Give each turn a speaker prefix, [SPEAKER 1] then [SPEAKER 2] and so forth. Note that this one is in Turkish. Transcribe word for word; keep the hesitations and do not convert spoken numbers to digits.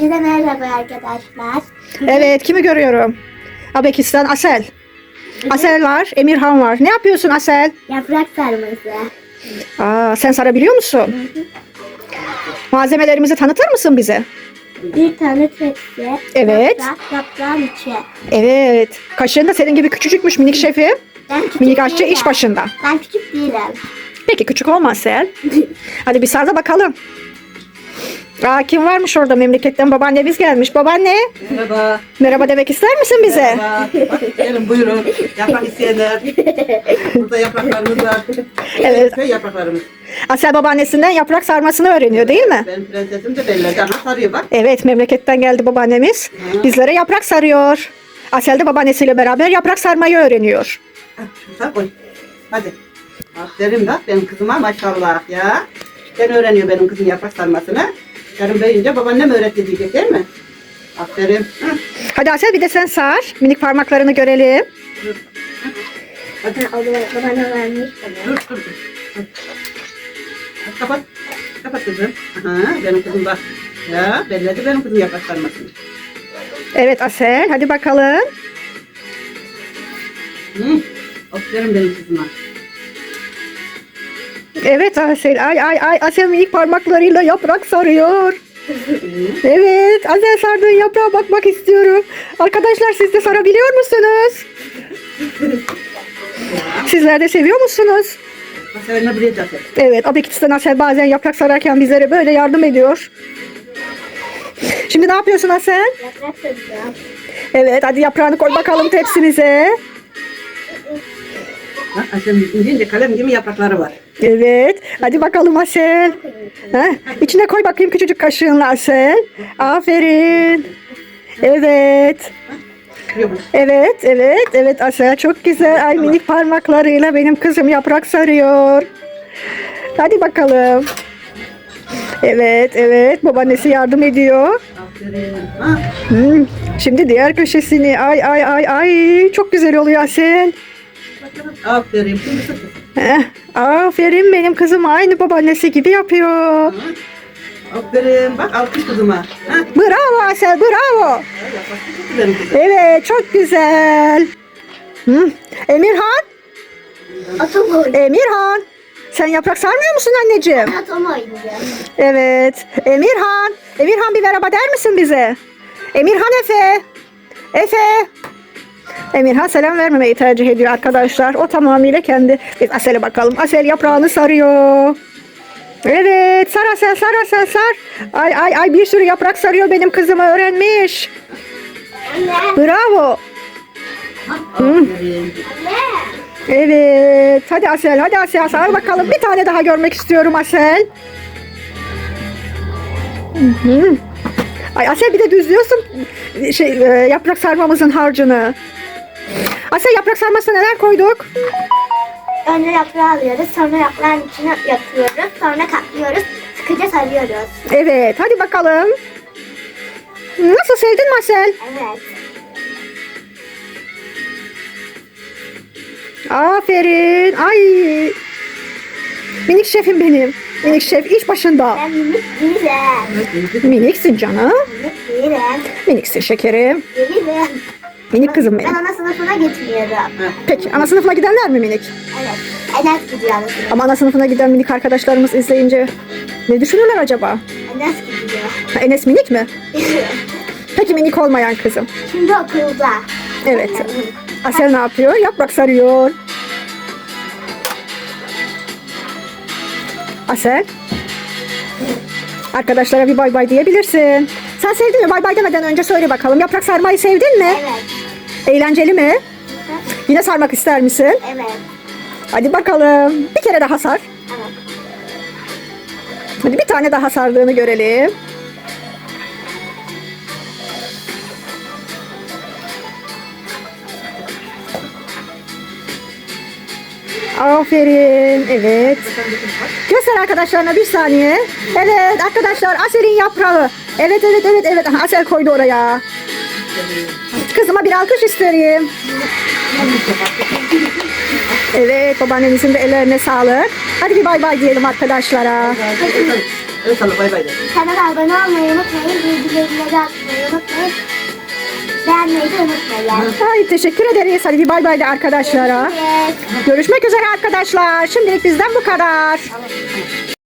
[SPEAKER 1] Hepinize merhaba arkadaşlar.
[SPEAKER 2] Evet, kimi görüyorum? Abekistan Asel. Asel var, Emirhan var. Ne yapıyorsun Asel?
[SPEAKER 1] Yaprak sarması.
[SPEAKER 2] Aa, sen sarabiliyor musun? Malzemelerimizi tanıtır mısın bize?
[SPEAKER 1] Bir tane tepsi.
[SPEAKER 2] Evet.
[SPEAKER 1] Yaprak, yaprağın içi.
[SPEAKER 2] Evet. Kaşığın da senin gibi küçücükmüş minik şefim.
[SPEAKER 1] Ben küçük
[SPEAKER 2] Minik aşçı
[SPEAKER 1] değilim.
[SPEAKER 2] iş başında.
[SPEAKER 1] Ben küçük değilim.
[SPEAKER 2] Peki küçük olma Asel. Hadi bir sar da bakalım. Aa, kim varmış orada? Memleketten babaannemiz gelmiş. Babaanne,
[SPEAKER 3] Merhaba.
[SPEAKER 2] merhaba demek ister misin bize?
[SPEAKER 3] Merhaba. Bak, gelin buyurun. Yaprak isteyenler. Burada yapraklarımız var.
[SPEAKER 2] Evet.
[SPEAKER 3] Köy yapraklarımız.
[SPEAKER 2] Asel babaannesinden yaprak sarmasını öğreniyor değil mi?
[SPEAKER 3] Benim prensesim de belli. Cana sarıyor bak.
[SPEAKER 2] Evet, memleketten geldi babaannemiz. Bizlere yaprak sarıyor. Asel de babaannesiyle beraber yaprak sarmayı öğreniyor.
[SPEAKER 3] Hadi şunu sar koy. Hadi. Aferin bak benim kızıma maşallah ya. Ben öğreniyor benim kızım yaprak sarmasını. Yarın büyüyünce babaannem öğretti diyecek değil mi? Aferin. Hı.
[SPEAKER 2] Hadi Asel bir de sen sar. Minik parmaklarını görelim.
[SPEAKER 3] Dur. Hadi.
[SPEAKER 1] Ha, o da bana vermiş bana.
[SPEAKER 3] Dur dur. dur. Hadi. Hadi kapat. Kapat kızım. Aha, benim kızım bak. Ya belledi benim kızım yaprak sarmasını.
[SPEAKER 2] Evet Asel, hadi bakalım.
[SPEAKER 3] Hı. Aferin benim kızıma.
[SPEAKER 2] Evet Asel, ay ay ay Asel minik parmaklarıyla yaprak sarıyor. Evet, Asel sardığın yaprağa bakmak istiyorum. Arkadaşlar siz de sarabiliyor musunuz? Sizler de seviyor musunuz?
[SPEAKER 3] Masalarına buraya zaten.
[SPEAKER 2] Evet, Abekistan Asel bazen yaprak sararken bizlere böyle yardım ediyor. Şimdi ne yapıyorsun Asel?
[SPEAKER 1] Yaprak saracağım.
[SPEAKER 2] Evet, hadi yaprağını koy bakalım tepsimize.
[SPEAKER 3] Bak Aşem ince kalem gibi yaprakları var.
[SPEAKER 2] Evet, hadi bakalım Asel. Ha, içine koy bakayım küçücük kaşığınla Asel. Aferin. Evet.
[SPEAKER 3] Yok.
[SPEAKER 2] Evet, evet, evet Asel çok güzel. Ay minik parmaklarıyla benim kızım yaprak sarıyor. Hadi bakalım. Evet, evet babaannesi yardım ediyor.
[SPEAKER 3] Aferin. Ha.
[SPEAKER 2] Hmm, şimdi diğer köşesini. Ay ay ay ay çok güzel oluyor Asel.
[SPEAKER 3] Aferin. Şimdi sık.
[SPEAKER 2] Heh, aferin benim kızım aynı babaannesi gibi yapıyor.
[SPEAKER 3] Aferin. Bak alkış kızıma. Ha.
[SPEAKER 2] Bravo Asel, bravo.
[SPEAKER 3] Yaprak benim kızım.
[SPEAKER 2] Evet, çok güzel. Hmm, Emirhan,
[SPEAKER 1] Atom oynuyor.
[SPEAKER 2] Emirhan. Sen yaprak sarmıyor musun anneciğim?
[SPEAKER 1] Atom oynuyor.
[SPEAKER 2] Evet. Emirhan. Emirhan bir merhaba der misin bize? Emirhan Efe. Efe. Emirhan selam vermemeyi tercih ediyor arkadaşlar. O tamamıyla kendi. Biz Asel'e bakalım. Asel yaprağını sarıyor. Evet. Sar Asel, sar Asel, sar. Ay ay ay bir sürü yaprak sarıyor benim kızım öğrenmiş.
[SPEAKER 1] Anne.
[SPEAKER 2] Bravo.
[SPEAKER 3] Aferin.
[SPEAKER 2] Evet. Hadi Asel, hadi Asel sar bakalım. Bir tane daha görmek istiyorum Asel. Hı hı. Ay Asel bir de düzlüyorsun şey e, yaprak sarmamızın harcını. Asel yaprak sarmasına neler koyduk?
[SPEAKER 1] Önce yaprağı alıyoruz. Sonra yaprağın içine yatıyoruz. Sonra katlıyoruz. Sıkıca sarıyoruz.
[SPEAKER 2] Evet, hadi bakalım. Nasıl sevdin mi Asel?
[SPEAKER 1] Evet.
[SPEAKER 2] Aferin. Ay. Minik şefim benim. Minik şef iş başında.
[SPEAKER 1] Ben minik değilim.
[SPEAKER 2] Miniksin canım.
[SPEAKER 1] Minik değilim.
[SPEAKER 2] Miniksin şekerim.
[SPEAKER 1] Değilim.
[SPEAKER 2] Minik kızım
[SPEAKER 1] Ben
[SPEAKER 2] benim.
[SPEAKER 1] ana sınıfına gitmiyorum.
[SPEAKER 2] Peki ana sınıfına gidenler mi minik?
[SPEAKER 1] Evet. Enes gidiyor ana sınıfına.
[SPEAKER 2] Ama ana sınıfına giden minik arkadaşlarımız izleyince ne düşünürler acaba?
[SPEAKER 1] Enes gidiyor.
[SPEAKER 2] Ha, Enes minik mi? Peki minik olmayan kızım.
[SPEAKER 1] Şimdi okulda.
[SPEAKER 2] Evet. Asel ne yapıyor? Yaprak sarıyor. Asel. Arkadaşlara bir bay bay diyebilirsin. Sen sevdin mi? Bay bay demeden önce söyle bakalım. Yaprak sarmayı sevdin mi?
[SPEAKER 1] Evet.
[SPEAKER 2] Eğlenceli mi? Yine sarmak ister misin?
[SPEAKER 1] Evet.
[SPEAKER 2] Hadi bakalım. Bir kere daha sar.
[SPEAKER 1] Evet.
[SPEAKER 2] Hadi bir tane daha sardığını görelim. Aferin. Evet. Göster arkadaşlarına bir saniye. Evet arkadaşlar Asel'in yaprağı. Evet evet evet evet. Aha, Asel koydu oraya. Kızıma bir alkış isterim. Evet babaannemizin de ellerine sağlık. Hadi bir bay bay diyelim arkadaşlara.
[SPEAKER 3] El salla bay bay de.
[SPEAKER 1] Kanala abone olmayı unutmayın. Bildirimleri açmayı unutmayın. Beğenmeyi de unutmayın.
[SPEAKER 2] Ay teşekkür ederiz. Hadi bir bay bay de arkadaşlara.
[SPEAKER 1] Evet.
[SPEAKER 2] Görüşmek üzere arkadaşlar. Şimdilik bizden bu kadar.
[SPEAKER 3] Tamam, tamam.